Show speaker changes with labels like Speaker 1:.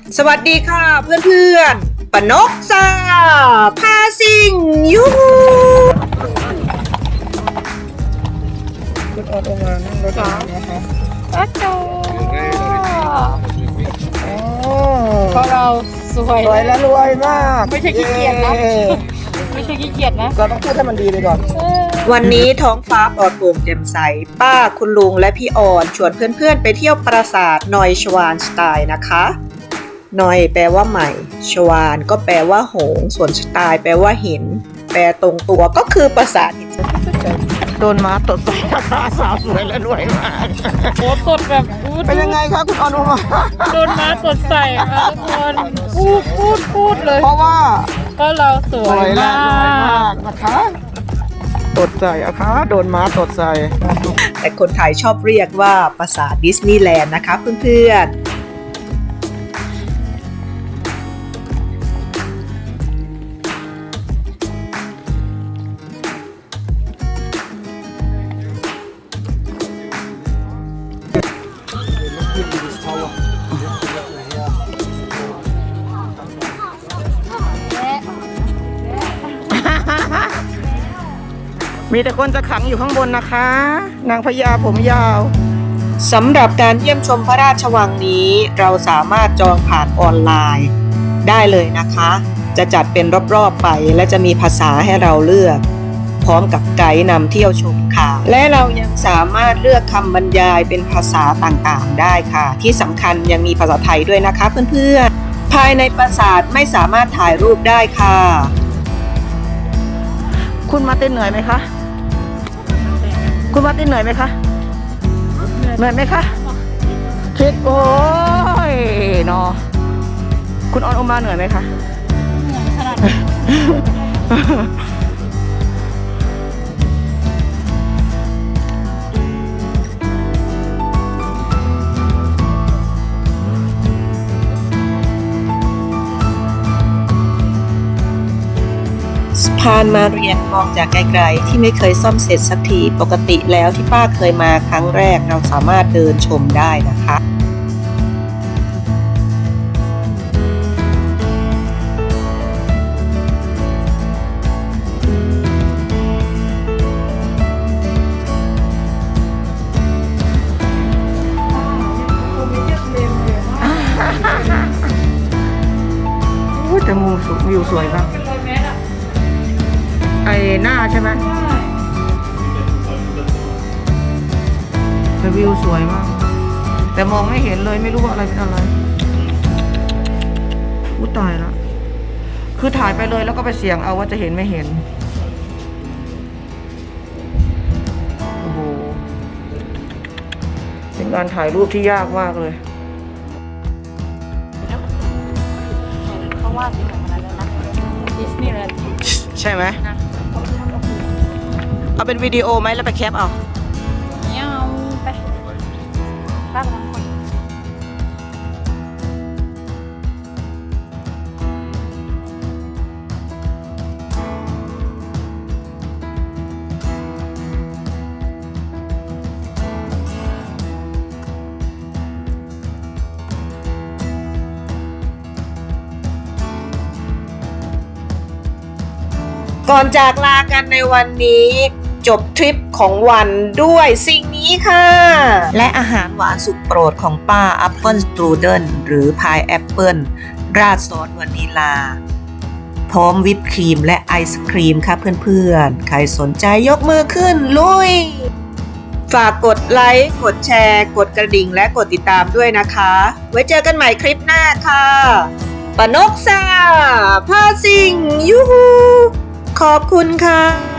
Speaker 1: สวัสดีค่ะเพื่อนๆปนกซาพาซิงยูฮูคุณออดออกมานั่งรถนะคะ
Speaker 2: อาจารเพราะเราสวย
Speaker 1: และรวยมาก
Speaker 2: ไม่ใช่ขี้เกียจนะไม่ใช่ขี้เกียจนะ
Speaker 1: ก็ต้องพูดให้มันดีไปก่อนวันนี้ท้องฟ้าปลอดโปร่งแจ่มใสป้าคุณลุงและพี่อ่อนชวนเพื่อนๆไปเที่ยวปราสาทนอยชวานสไตล์นะคะนอยแปลว่าใหม่ชวานก็แปลว่าหงส์ส่วนสไตล์แปลว่าหินแปลตรงตัวก็คือปราสาทหินโดนม้าตดใส่ราสาวสวยและรวยมาก
Speaker 2: โอ้ตดแบบ
Speaker 1: เป็นยังไงคะคุณอนุมา
Speaker 2: โดนม้าตดใส่ค่ะทุกคนพูดเลย
Speaker 1: เพราะว่า
Speaker 2: ก็เราสวยมาก
Speaker 1: นะคะตดใส่อะคะโดนม้าตดใส่แต่คนไทยชอบเรียกว่าปราสาทดิสนีย์แลนด์นะคะเพื่อนๆมีแต่คนจะขังอยู่ข้างบนนะคะนางพญาผมยาวสำหรับการเยี่ยมชมพระราชวังนี้เราสามารถจองผ่านออนไลน์ได้เลยนะคะจะจัดเป็นรอบๆไปและจะมีภาษาให้เราเลือกพร้อมกับไกด์นำเที่ยวชมค่ะและเรายังสามารถเลือกคำบรรยายเป็นภาษาต่างๆได้ค่ะที่สำคัญยังมีภาษาไทยด้วยนะคะเพื่อนๆภายในปราสาทไม่สามารถถ่ายรูปได้ค่ะคุณมาเต้นเหนื่อยไหมคะคุณมาตินเหนื่อยไหมคะเหนื่อยไหมคะคิดโอ้ยเนาะคุณออนโอมาเหนื่อยไหมคะ
Speaker 2: เหนื่อยขนาด
Speaker 1: สะพานมาเรียนมองจากไกลๆที่ไม่เคยซ่อมเสร็จสักทีปกติแล้วที่ป้าเคยมาครั้งแรกเราสามารถเดินชมได้นะคะแต่มุมวิวสวยมากไอหน้าใช่ไหมแต่วิวสวยมากแต่มองไม่เห็นเลยไม่รู้ว่าอะไรเป็นอะไรอู้ตายแล้วคือถ่ายไปเลยแล้วก็ไปเสี่ยงเอาว่าจะเห็นไม่เห็นโอ้โหเป็นการถ่ายรูปที่ยากมากเลย
Speaker 2: เขาว่าเป็นของอะไรนะดิสนีย์แลนด์
Speaker 1: ใช่ไหมเอาเป็นวิดีโอไหมแล้วไปแคปเอา
Speaker 2: เนี่ยเอาไปป้ากำลังคน
Speaker 1: ก่อนจากลากันในวันนี้จบทริปของวันด้วยสิ่งนี้ค่ะและอาหารหวานสุดโปรดของป้าแอปเปิลสตรูเดิลหรือพายแอปเปิลราดซอสวานิลาพร้อมวิปครีมและไอศครีมค่ะเพื่อนๆใครสนใจยกมือขึ้นลุยฝากกดไลค์กดแชร์กดกระดิ่งและกดติดตามด้วยนะคะไว้เจอกันใหม่คลิปหน้าค่ะปนกซาพาซิงยูฮูขอบคุณค่ะ